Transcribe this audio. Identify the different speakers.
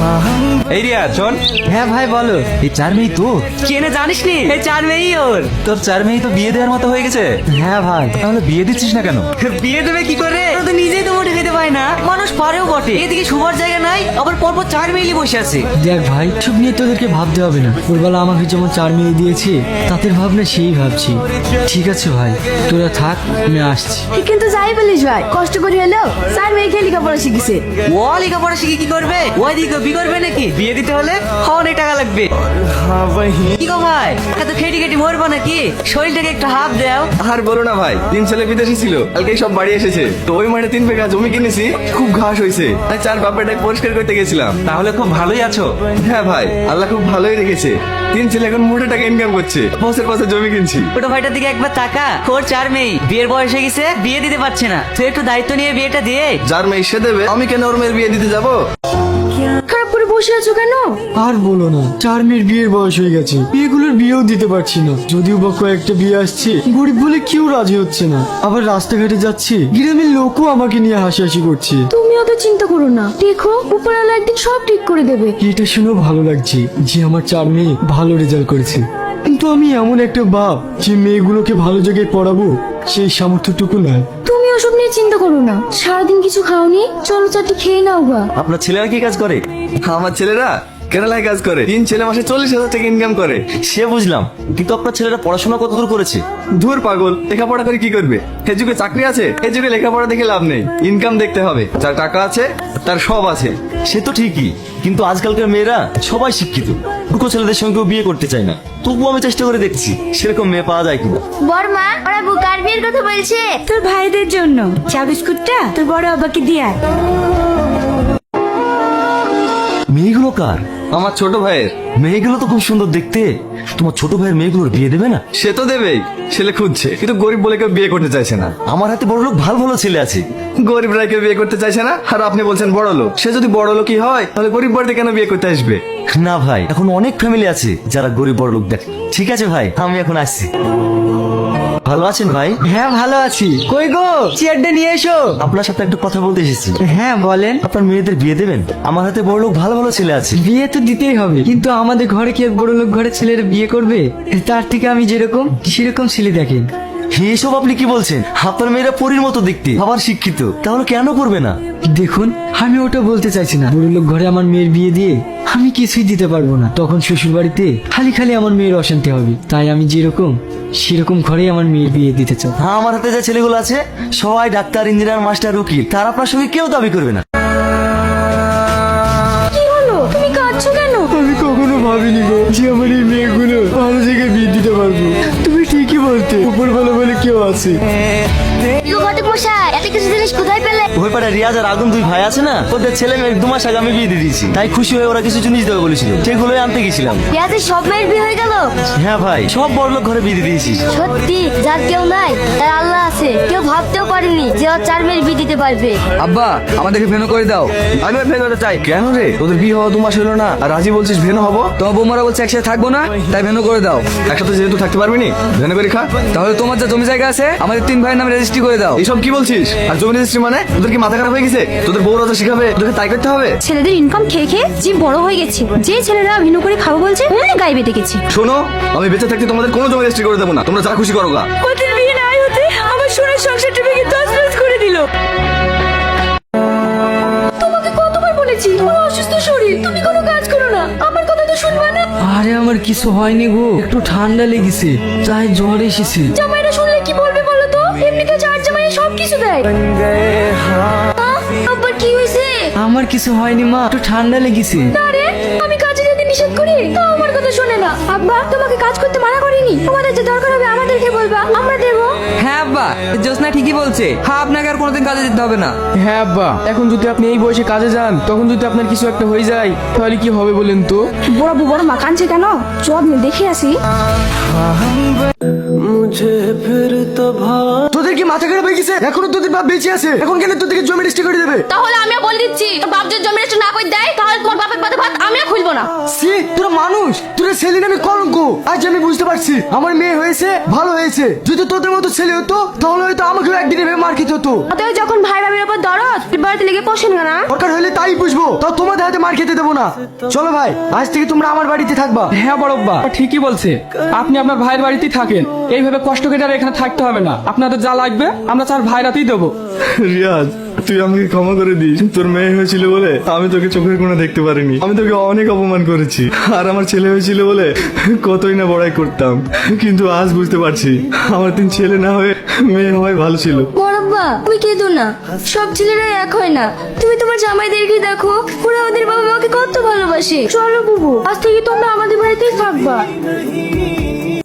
Speaker 1: এই রিয়া শোন।
Speaker 2: হ্যাঁ ভাই বলো।
Speaker 1: এই 4 মেয়ে তোর?
Speaker 2: কেনে জানিস নি, এই 4 মেয়েই ওর।
Speaker 1: তোর 4 মেয়ে তো বিয়ে দেওয়ার মতো হয়ে গেছে।
Speaker 2: হ্যাঁ ভাই।
Speaker 1: তাহলে বিয়ে দিচ্ছিস না কেন?
Speaker 2: বিয়ে দেবে কি করে? ওরা তো নিজেই তো মোটে খেতে পায় না, মানুষ পারেও বটে। এদিকে শুবার জায়গা নাই, আবার পরপর 4 মেয়েই বসে আছে।
Speaker 3: দেখ ভাই, সব নিয়ে তোদেরকে ভাবতে হবে না। ওরবেলা আমাকে যেমন 4 মেয়ে দিয়েছে, তাদের ভাবনা সেই ভাবছি। ঠিক আছে ভাই, তোরা থাক, আমি আসছি।
Speaker 4: কিন্তু যাই বলিস ভাই, কষ্ট করে হলেও স্যার মেয়েকে লেখাপড়া শিখেছে।
Speaker 2: ও লেখাপড়া শিখে কি করবে? ওই দিকে বিয়ে করবে নাকি? বিয়ে দিতে হলে অনেক টাকা লাগবে। কি গো ভাই, এত খেটি খেটি মরবো নাকি? শরীরটাকে একটু হাফ দাও।
Speaker 5: আর বলো না ভাই, 3 ছেলে বিদেশি ছিল, কালকেই সব বাড়ি এসেছে। তো ওই মাঠে 3 বিঘা জমি কিনেছি, খুব ঘাস হয়েছে, তাই 4 বাপেরটাকে পরিষ্কার করতে গেছিলাম।
Speaker 1: তাহলে খুব ভালোই আছো।
Speaker 5: হ্যাঁ ভাই, আল্লাহ খুব ভালোই রেখেছে। 3 ছেলে এখন মোটে টাকা ইনকাম করছে, বছর বছর জমি কিনছি।
Speaker 2: ছোট ভাইটার দিকে একবার তাকা, ওর 4 মেয়ে, বিয়ের বয়স হয়ে গেছে, বিয়ে দিতে পারছে না। তুই একটু দায়িত্ব নিয়ে বিয়েটা দিয়ে।
Speaker 5: যার মেয়ে সে দেবে, আমি কেন ওর মেয়ের বিয়ে দিতে যাবো?
Speaker 4: খারাপ করে বসে আছো কেন?
Speaker 3: আর বলো না, 4 মেয়ের বিয়ের বয়স হয়ে গেছে, বিয়েগুলোর বিয়েও দিতে পারছি না। যদিও বা কয়েকটা বিয়ে আসছে, গরিব বলে কেউ রাজি হচ্ছে না। আবার রাস্তাঘাটে যাচ্ছে, গ্রামের লোকও আমাকে নিয়ে হাসাহাসি করছে।
Speaker 4: তুমি অত চিন্তা করো না, দেখো উপরওয়ালা একদিন সব ঠিক করে দেবে।
Speaker 3: এটা শুনেও ভালো লাগছে যে আমার 4 মেয়ে ভালো রেজাল্ট করেছে। কিন্তু আমি এমন একটা বাপ যে মেয়েগুলোকে ভালো জায়গায় পড়াবো, সেই সামর্থ্যটুকু নাই।
Speaker 4: তুমি ওসব নিয়ে চিন্তা করো না, সারাদিন কিছু খাওনি, চলো 4টি খেয়ে নাও গা।
Speaker 5: আপনার ছেলেরা কি কাজ করে? আমার ছেলেরা কেরালায় কাজ করে। 3 ছেলে মাসে 40,000 টাকা ইনকাম করে।
Speaker 1: সে বুঝলাম, কিন্তু আপনার ছেলেরা পড়াশোনা কতদূর করেছে?
Speaker 5: ধুর পাগল, লেখাপড়া করে কি করবে? এ যুগে চাকরি আছে, এ যুগে লেখাপড়া দেখে লাভ নেই, ইনকাম দেখতে হবে। যার টাকা আছে তার সব আছে।
Speaker 1: সে তো ঠিকই, কিন্তু আজকালকার মেয়েরা সবাই শিক্ষিত, দুটো ছেলেদের সঙ্গে বিয়ে করতে চায় না। তবুও আমি চেষ্টা করে দেখছি সেরকম মেয়ে পাওয়া যায় কিনা।
Speaker 4: বড়মা, ওরা বুকার বিয়ের কথা বলছে। তোর ভাইদের জন্য চা বিস্কুটটা তোর বড় বাবাকে দিয়ে।
Speaker 1: মেয়েগুলো কার?
Speaker 5: আমার ছোট ভাইয়ের।
Speaker 1: মেয়েগুলো তো খুব সুন্দর দেখতে। তোমার ছোট ভাইয়ের মেয়েগুলোর বিয়ে দেবে না?
Speaker 5: সে তো দেবেই, ছেলে খুঁজছে, কিন্তু গরিব বলে কেউ বিয়ে করতে চাইছে না।
Speaker 1: আমার হাতে বড় লোক ভালো ভালো ছেলে আছে।
Speaker 5: গরিবরা কেউ বিয়ে করতে চাইছে না, আর আপনি বলছেন বড় লোক। সে যদি বড় লোকই হয়, তাহলে গরিব বাড়িতে কেন বিয়ে করতে আসবে?
Speaker 1: না ভাই, এখন অনেক ফ্যামিলি আছে যারা গরিব বড় লোক দেখে। ঠিক আছে ভাই, আমি এখন আসছি। ভালো আছেন ভাই?
Speaker 3: হ্যাঁ ভালো আছি। কই গো, চেয়ারটা নিয়ে এসো।
Speaker 1: আপনার সাথে একটু কথা বলতে এসেছি।
Speaker 3: হ্যাঁ বলেন।
Speaker 1: আপনার মেয়েদের বিয়ে দেবেন? আমার হাতে বড় লোক ভালো ভালো ছেলে আছে।
Speaker 3: বিয়ে তো দিতেই হবে, কিন্তু আমাদের ঘরে কি বড় লোক ঘরের ছেলেরা বিয়ে করবে? তার থেকে আমি যেরকম সেরকম ছেলে দেখেন।
Speaker 1: এসব আপনি কি বলছেন? আপনার মেয়েরা পরীর মতো দেখতে, আবার শিক্ষিত, তাহলে কেন করবে না?
Speaker 3: দেখুন, আমি ওটা বলতে চাইছি না। বড় লোক ঘরে আমার মেয়ের বিয়ে দিয়ে আমি কিছুই দিতে পারবো না। তখন শ্বশুর বাড়িতে খালি খালি আমার মেয়ের অশান্তি হবে। তাই আমি যেরকম সেরকম ঘরেই আমার মেয়ের বিয়ে দিতে চাই।
Speaker 1: হ্যাঁ, আমার হাতে যে ছেলেগুলো আছে সবাই ডাক্তার, ইঞ্জিনিয়ার, মাস্টার, উকিল। তার আপনার সঙ্গে কেউ দাবি করবে না।
Speaker 4: কি হলো, তুমি কাঁদছো কেন?
Speaker 3: আমি কখনো ভাবিনি গো যে আমার এই মেয়েগুলো ভালো জায়গায় বিয়ে দিতে পারবো। তুমি ঠিকই বলতে, উপর ভালো বলে কেউ আছে।
Speaker 4: ঘটক মশাই, এত কিছু জিনিস কোথায় পেলে?
Speaker 1: ওই পাড়া রিয়াজ আর আগুন 2 ভাই আছে না, ওদের ছেলে মেয়ে 2 মাস আগে আমি বিয়ে দিয়ে দিয়েছি। তাই খুশি হয়ে ওরা কিছু জিনিস দেবে বলেছিল, সেগুলোই আনতে গেছিলাম।
Speaker 4: পেঁয়াজের সব মেয়ের বিয়ে হয়ে গেল?
Speaker 1: হ্যাঁ ভাই, সব বড় লোক ঘরে বিয়ে দিয়ে দিয়েছি।
Speaker 4: সত্যি, যার কেউ নাই তার আল্লাহ আছে। কেউ ভাবতেও পারেনি যে ওর 4 মেয়ের বিয়ে দিতে পারবে।
Speaker 5: আব্বা, আমাদেরকে ভেনো করে দাও। আমি ভেনো হতে চাই। কেন রে, তোদের বিয়ে হওয়া 2 মাস হলো না, আর রাজি বলছিস ভেনো হবো? তোমার বৌমারা বলছে একসাথে থাকবো না, তাই ভেনো করে দাও। একসাথে যেহেতু থাকতে পারবি নি, ভেনো করে খা। তাহলে তোমার যা জমি জায়গা আছে, আমাদের 3 ভাইয়ের নামে রেজিস্ট্রি করে দাও। এসব কি বলছিস? আর জমি রেজিস্ট্রি মানে? তোদের কি মাথা খারাপ হয়ে গেছে? তোদের বউরা তো শিখাবে, তোদেরকে তাই করতে হবে?
Speaker 4: ছেলেদের ইনকাম খেয়ে খেয়ে জীব বড় হয়ে গেছে। যে ছেলেরা ভিন্ন করে খাবো বলছে, অমনি গায়ে বেঁধে গেছে।
Speaker 5: শোনো, আমি বেঁচে থাকতে তোমাদের কোনো জমি রেজিস্ট্রি করে দেবো না। তোমরা যা খুশি করো গা।
Speaker 4: ওদের বিয়ে নাই হতে আমার সোনার সংসারটা ভেঙে তছনছ করে দিল। তোমাকে কতবার বলেছি, আমার অসুস্থ শরীর, তুমি কোনো কাজ করো না। আমার কথা তো শুনবে না।
Speaker 3: আরে আমার কিছু হয়নি গো, একটু ঠান্ডা লেগেছে, তাই জ্বর এসেছে।
Speaker 4: জামাইরা শুনলে কি বলবে বলো তো? এমনিতে চার জামাই সব কিছু দেয়। আব্বার কি হয়েছে?
Speaker 3: আমার কিছু হয়নি মা, একটু ঠান্ডা লেগেছে।
Speaker 4: আরে আমি কাজে যেতে নিষেধ করি, তাও আমার কথা শোনে না। আব্বা তোমাকে কাজ করতে মানা করিনি, তোমাদের যে দরকার হবে আমাদেরকে বলবা, আমরা দেবো।
Speaker 6: হ্যাঁ আব্বা, জোসনা ঠিকই বলছে। হ্যাঁ, আপনাকে আর কোনোদিন কাজে যেতে হবে না।
Speaker 7: হ্যাঁ আব্বা, এখন যদি আপনি এই বয়সে কাজে যান, তখন যদি আপনার কিছু একটা হয়ে যায়, তাহলে কি হবে বলেন তো?
Speaker 4: বড় মা কাঁদছে কেন? চল দেখে আসি।
Speaker 3: তোদের কি মাথা খারাপ হয়ে গেছে? এখনো তোদের বাপ বেঁচে আছে, এখন কেন তোদেরকে জমি রেজিস্ট্রি করে দেবে?
Speaker 4: তাহলে আমিও বলে দিচ্ছি, তোর বাপ যদি জমি রেজিস্ট্রি না করে দেয়, তাহলে তোমার বাপের পাতে ভাত আমিও খুলবো না।
Speaker 3: সি তোরা মানুষ, তোরা ছেলে নামে কলঙ্ক। আজ আমি বুঝতে পারছি আমার মেয়ে হয়েছে ভালো হয়েছে। যদি তোদের মতো ছেলে হতো তাহলে হয়তো আমাকেও একদিন এভাবে মার খেতে হতো।
Speaker 4: অতএব যখন ভাই ভাবির উপর দরদ, বাড়িতে লেগে পোষেন না।
Speaker 3: দরকার হলে তাই বুঝবো, তাও তোমাদের হাতে মার খেতে দেবো না। চলো ভাই, আজ থেকে তোমরা আমার বাড়িতে থাকবা।
Speaker 7: হ্যাঁ বড়ব্বা ঠিকই বলছে, আপনি আপনার ভাইয়ের বাড়িতেই থাকেন। এইভাবে কষ্ট কেটে আর এখানে থাকতে হবে না। আপনাদের যা লাগবে আমরা চার ভাইরাতেই দেবো।
Speaker 8: রিয়াজ, তুই আমাকে ক্ষমা করে দিস। তোর মেয়ে হয়েছিল বলে আমি তোকে চোখের কোণে দেখতে পারিনি। আমি তোকে অনেক অপমান করেছি, আর আমার ছেলে হয়েছিল বলে কতই না বড়াই করতাম। কিন্তু আজ বুঝতে পারছি আমার 3 ছেলে না হয়ে মেয়ে হওয়াই ভালো ছিল।
Speaker 4: বড়ব্বা তুমি কেঁদো না, সব ছেলেরা এক হয় না। তুমি তোমার জামাইদেরকে দেখো, ওরা ওদের বাবা মাকে কত ভালোবাসে। চলো বুবু, আজ থেকে তোমরা আমাদের বাড়িতেই থাকবা।